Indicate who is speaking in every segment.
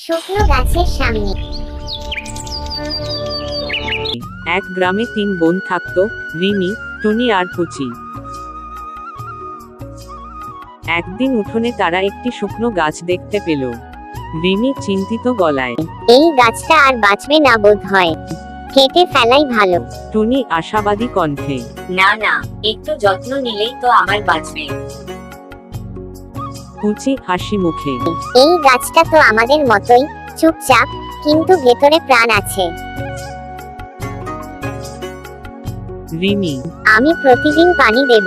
Speaker 1: শুকনো গাছের সামনে।
Speaker 2: এক গ্রামে 3 বোন থাকতো, রিমি, টুনি আর পুচি। একদিন উঠোনে তারা একটি শুকনো গাছ দেখতে পেল। রিমি চিন্তিত গলায়,
Speaker 1: এই গাছটা আর বাঁচবে না বোধ হয়, কেটে ফেলাই ভালো।
Speaker 2: টুনি আশাবাদী কণ্ঠে,
Speaker 3: না না, একটু যত্ন নিলেই তো আবার বাঁচবে।
Speaker 2: পুচি হাসি মুখে,
Speaker 1: এই গাছটা তো আমাদের মতোই চুপচাপ, কিন্তু ভেতরে প্রাণ আছে।
Speaker 2: রিমি,
Speaker 1: আমি প্রতিদিন পানি দেব।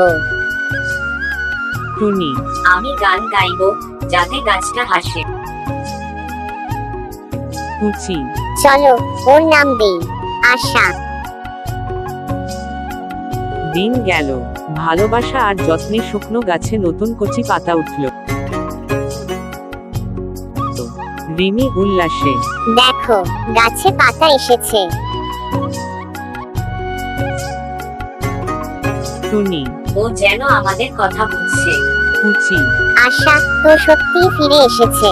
Speaker 2: টুনি,
Speaker 3: আমি গান গাইবো যাতে গাছটা হাসে।
Speaker 2: পুচি,
Speaker 1: চলো ওর নাম দেই আশা।
Speaker 2: দিন গেল, ভালোবাসা আর যত্নে শুকনো গাছে নতুন কচি পাতা উঠল। রিমি উল্লাসে,
Speaker 1: দেখো গাছে পাতা এসেছে।
Speaker 2: টুনি,
Speaker 3: ও যেন আমাদের কথা বুঝছে।
Speaker 2: পুচি,
Speaker 1: আশা তো সত্যিই ফিরে এসেছে।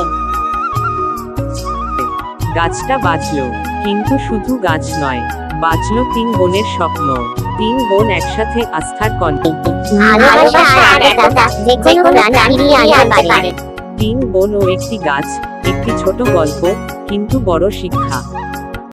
Speaker 2: গাছটা বাঁচলো, কিন্তু শুধু গাছ নয়, বাঁচলো 3 বোনের স্বপ্ন। 3 বোন একসাথে আস্থার কণ্ঠে।
Speaker 1: ভালোবাসা আর একতা যে কোনো প্রাণ ফিরিয়ে আনতে পারে।
Speaker 2: 3 বোন ও একটি গাছ, একটি ছোট গল্প, কিন্তু বড় শিক্ষা।